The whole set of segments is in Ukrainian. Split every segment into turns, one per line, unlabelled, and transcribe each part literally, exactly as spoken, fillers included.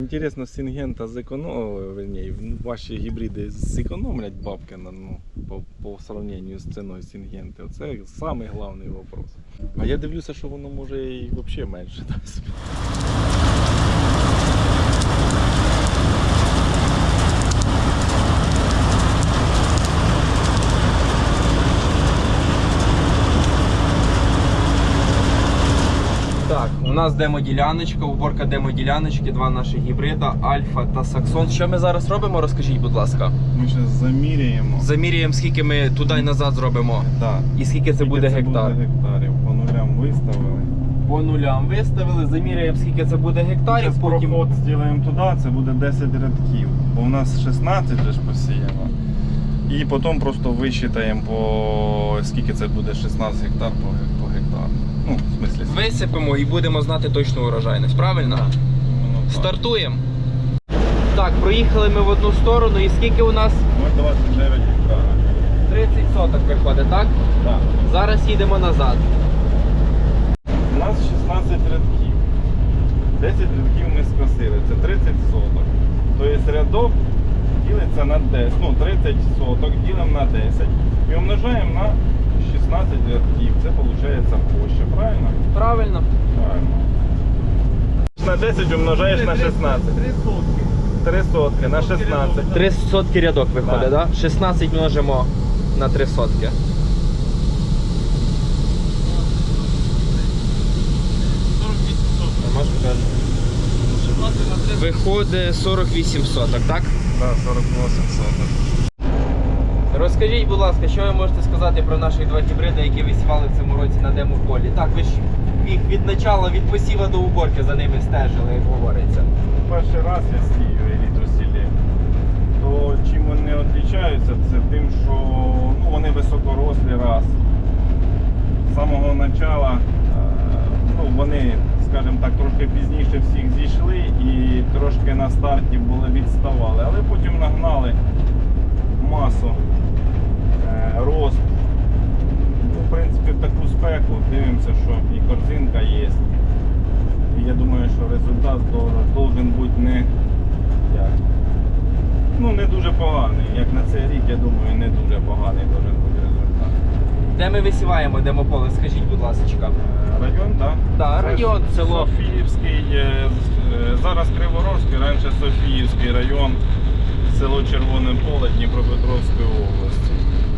Інтересно, Сингента зекономить, ваші гібриди зекономлять бабки на, ну, по, по сравнению з ціною Сингенти. Це самий головний вопрос. А я дивлюся, що воно може і взагалі менше дасть.
Так, у нас демо-діляночка, уборка демо-діляночки, два наші гібрида, Альфа та Саксон. Що ми зараз робимо, розкажіть, будь ласка.
Ми зараз заміряємо.
Заміряємо, скільки ми туди і назад зробимо.
Так.
І скільки це
Скільки
буде
це
гектар.
буде гектарів. По нулям виставили.
По нулям виставили, заміряємо, скільки це буде гектарів.
Зараз
Потім
проход зробимо туди, це буде десять рядків. Бо у нас шістнадцять вже ж посіяно. І потім просто висчитаємо, по скільки це буде шістнадцять гектар по, ге- по гектару. Ну, в смислі.
висипемо і будемо знати точну урожайність, правильно?
Воно так.
Стартуємо. Так, проїхали ми в одну сторону і скільки у нас?
Ми двадцять дев'ять гектарів.
тридцять соток виходить, так?
Так.
Зараз їдемо назад.
У нас шістнадцять рядків. десять рядків ми скосили, це тридцять соток. Тобто рядок ділиться на десять, ну тридцять соток ділимо на десять і умножаємо на шістнадцять рядків. Це виходить площа, правильно?
Правильно.
Правильно. На десять умножаєш на шістнадцять. три сотки. три сотки на шістнадцять.
три сотки рядок виходить,
Да.
так? Да? шістнадцять множимо на три сотки. Виходить сорок вісім соток, так?
Так, сорок вісім соток.
Розкажіть, будь ласка, що ви можете сказати про наших два гібриди, які ви сівали в цьому році на демополі? Так, ви ж їх від начала, від посіва до уборки за ними стежили, як говориться.
Перший раз я сію елітросілі, то чим вони відрізняються, це тим, що ну, вони високорослі раз. З самого початку ну, вони, скажімо так, трошки пізніше всіх зійшли і трошки на старті були відставали, але потім нагнали масу, е, рост. Ну, в принципі, в таку спеку дивимося, що і корзинка є. І я думаю, що результат повинен бути не, як, ну, не дуже поганий. Як на цей рік, я думаю, не дуже поганий повинен бути результат.
Де ми висіваємо демополе, скажіть, будь ласка.
Е, Район, так?
Да, район, село.
Софіївський, е, е, зараз Криворожський, раніше Софіївський район, село Червоне Поле Дніпропетровської області.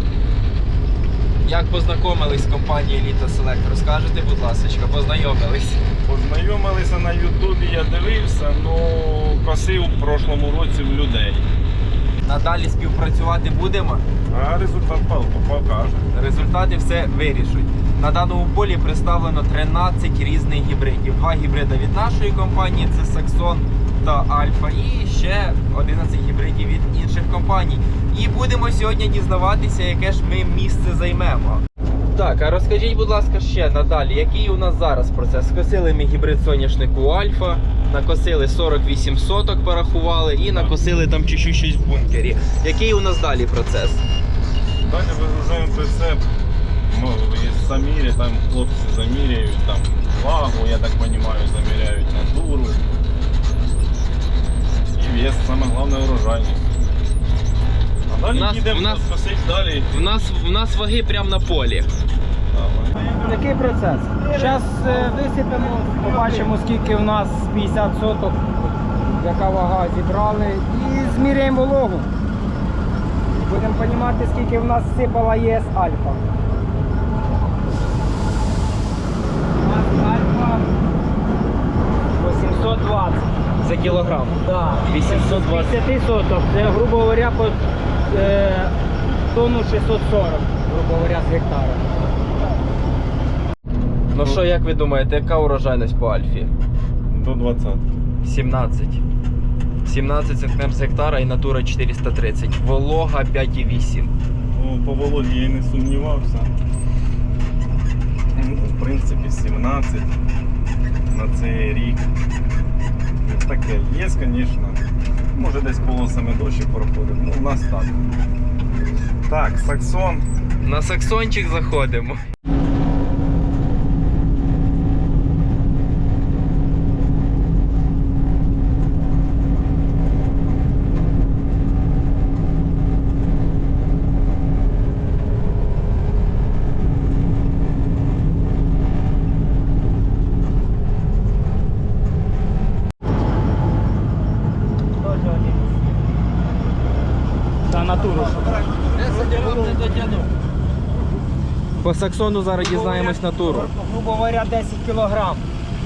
Як познайомились з компанією Elite Select? Розкажете, будь ласка, познайомились?
Познайомилися на Ютубі, я дивився, ну косив в прошлому році в людей.
Надалі співпрацювати будемо?
А результат покаже.
Результати все вирішуть. На даному полі представлено тринадцять різних гібридів. Два гібриди від нашої компанії, це Саксон та Альфа, і ще одинадцять гібридів від інших компаній. І будемо сьогодні дізнаватися, яке ж ми місце займемо. Так, а розкажіть, будь ласка, ще надалі, який у нас зараз процес? Скосили ми гібрид соняшнику Альфа, накосили сорок вісім соток, порахували, і накосили там чуть-чуть щось в бункері. Який у нас далі процес?
Далі вигружаємо прицеп, ну, і замірі, там хлопці заміряють, там вагу, я так розумію, заміряють натуру. І вес, саме головне урожайність. А далі
В нас-
їдемо
в нас-
косить далі.
В нас, в нас ваги прямо на полі.
Який процес? Зараз висипемо, побачимо, скільки в нас п'ятдесят соток, яка вага зібрали, і зміряємо вологу. Будемо розуміти, скільки в нас сипала ЄС Альфа. У нас Альфа вісімсот двадцять.
За кілограм.
Да.
вісімсот двадцять.
п'ятдесят соток, це, грубо говоря, по е, тонну шістсот сорок, грубо говоря, з гектара.
Ну що, як ви думаєте, яка урожайність по Альфі?
До двадцятки.
сімнадцять. сімнадцять центнер з гектара і натура чотириста тридцять. Волога п'ять і вісім.
Ну, по вологі я не сумнівався. Ну, в принципі, сімнадцять на цей рік. Таке є, звісно. Може десь полосами дощі проходить. Ну, у нас так. Так, Саксон.
На Саксончик заходимо.
на натуру.
По Саксону зараз дізнаємось натуру.
Грубо говоря, десять кілограм.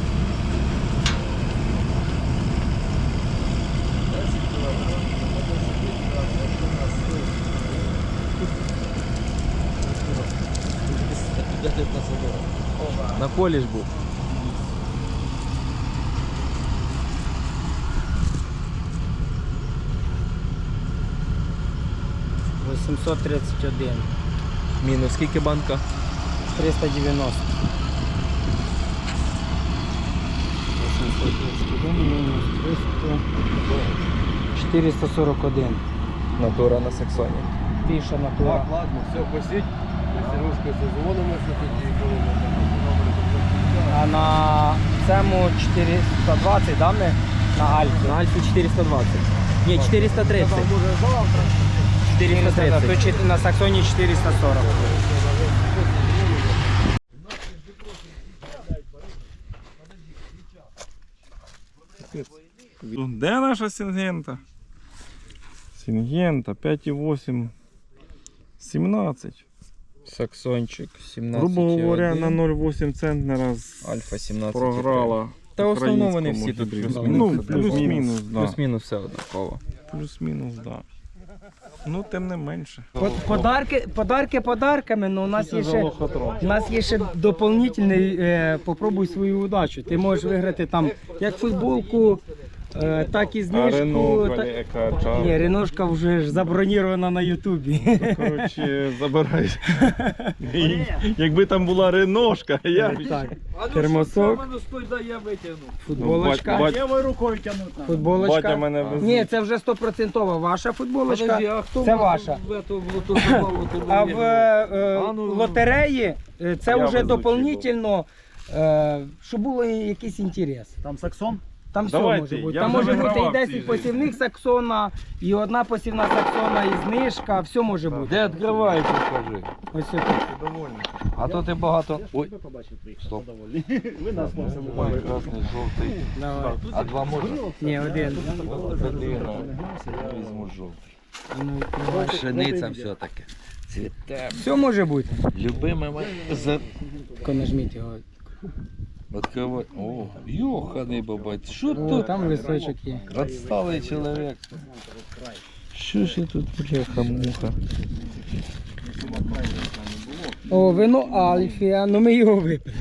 На полі ж був.
вісімсот тридцять один.
Мінус скільки банка?
триста дев'яносто. вісімсот тридцять один мінус триста. чотириста сорок один.
Натура на Саксоні.
Більше натура.
Так, ладно, все, посіть. Сережка, созвонимося тоді, коли ми
А на цьому чотириста двадцять, да, ми? На Альфі.
На Альфі чотириста двадцять. Ні, чотириста тридцять.
може завтра.
чотириста
То
тридцять.
чи- на Саксоні чотириста сорок.
Де наша Сінгента? Сінгента п'ять і вісім, сімнадцять.
Саксончик сімнадцять.
Грубо говоря, на ноль вісім центнера з-
Альфа сімнадцять.
програла.
Та в основному вони всі
українському
тут
гібриду.
плюс-мінус.
Ну, плюс-мінус, да.
Плюс-мінус все однаково.
Плюс-мінус, да. Ну, тим не менше.
По- Подарки, подарки подарками, але у нас є ще, у нас є ще доповнительний, е, попробуй свою удачу. Ти можеш виграти там як футболку, е, так і
А
знижку.
Рено,
та-
яка
Ні, Реношка вже ж забронірована на Ютубі.
Коротше, забирай. Якби там була Реношка, я б...
Так, термосок, футболочка.
Бать-
Лівою рукою тягнути.
Батя
Футболочка.
мене везуть.
Ні, це вже стопроцентова ваша футболочка. Це ваша. А в е, лотереї е, це
Я
вже
везучий
доповнительно, е, щоб було якийсь інтерес.
Там Саксон?
Там все
Давайте,
може бути.
я
Там
вже
може бути
вигравав
і
в цій
десять
житті.
посівних саксона, і одна посівна саксона, і знижка, все може бути.
Де відкривається, скажи.
Ось тут.
А то ти багато. Ой, стоп.
Ви нас можете
Ой, красний, жовтий.
Давай.
А два можна?
Ні, один.
Блін, візьму жовтий.
Ну, давай.
Пшениця все-таки. Цвіте.
Все може бути.
Любиме моє. За...
Тільки нажміть його.
Відкривай. О, йоханий бабать. Що
О,
тут?
там листочок є.
Відсталий чоловік. Що ж я тут, бляха-муха?
О, вино Альфія, ну ми його випили.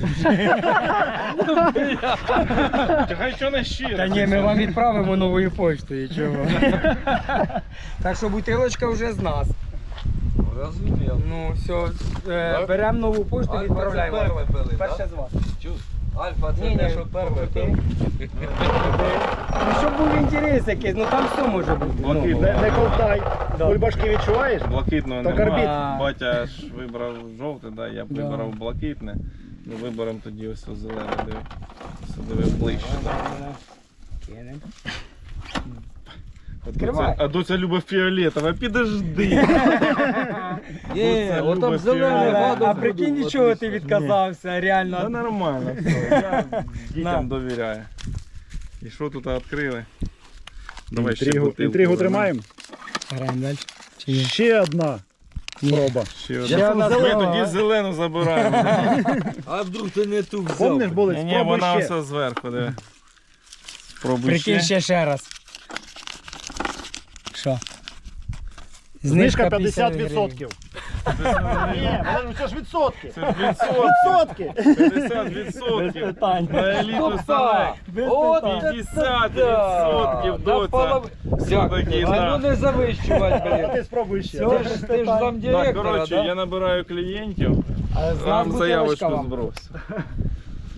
Хай що не щиро.
Та ні, ми вам відправимо новою поштою, чого. Так що бутилочка вже з нас.
Розумів.
Ну, все, е, беремо нову пошту, відправляємо.
Альфа це перше пили,
Перше
так?
з вас.
Чув? Альфа це
Ні, ні,
те, що перше
окей.
пили.
Ну, щоб був інтерес якийсь, ну там все може бути.
Блакитне.
Ну,
Не, не ковтай. Бульбашки відчуваєш?
Блакитного
То
немає.
карбід.
Батя ж вибрав жовте, да, я б
Да.
вибрав блакитне. Ну, виберемо тоді ось ось зелене, диви. Ось диви ближче.
кинемо.
А
Відкривай.
доця- А доця любить фіолетове, підожди.
Є,
Це
отам
любить
зелений
фіолетове.
гадок.
А прикинь, нічого ти відказався,
Та
реально.
нормально все, я дітям
На.
довіряю. І що тут відкрили? Давай ще
Інтригу,
бутилку
інтригу
візьмемо.
тримаємо.
Граємо далі. Чи ні?
Ще одна проба.
Ще
Ще
одна.
одна
Ми
зелена.
тоді зелену забираємо.
А вдруг ти не ту взяв?
Помниш, були?
Ні, ні,
Спробуй
вона
ще.
все зверху, диви. Спробуй
Прикинь
ще.
ще ще раз. Що?
Знижка
п'ятдесят
п'ятдесят відсотків. Ні, ну це ж відсотки.
Це ж відсотки.
Відсотки.
п'ятдесят відсотків.
питань.
На еліту ставек.
От
п'ятдесят
да.
відсотків,
Да,
доця.
полов-
Все-таки,
А
да.
ну не завищувати,
А
блін.
ти спробуй ще.
Ти ж, ти ж зам
Так,
директора,
коротше,
да?
я набираю клієнтів,
А з нас
вам
бутилочка
заявочку
вам.
збросив.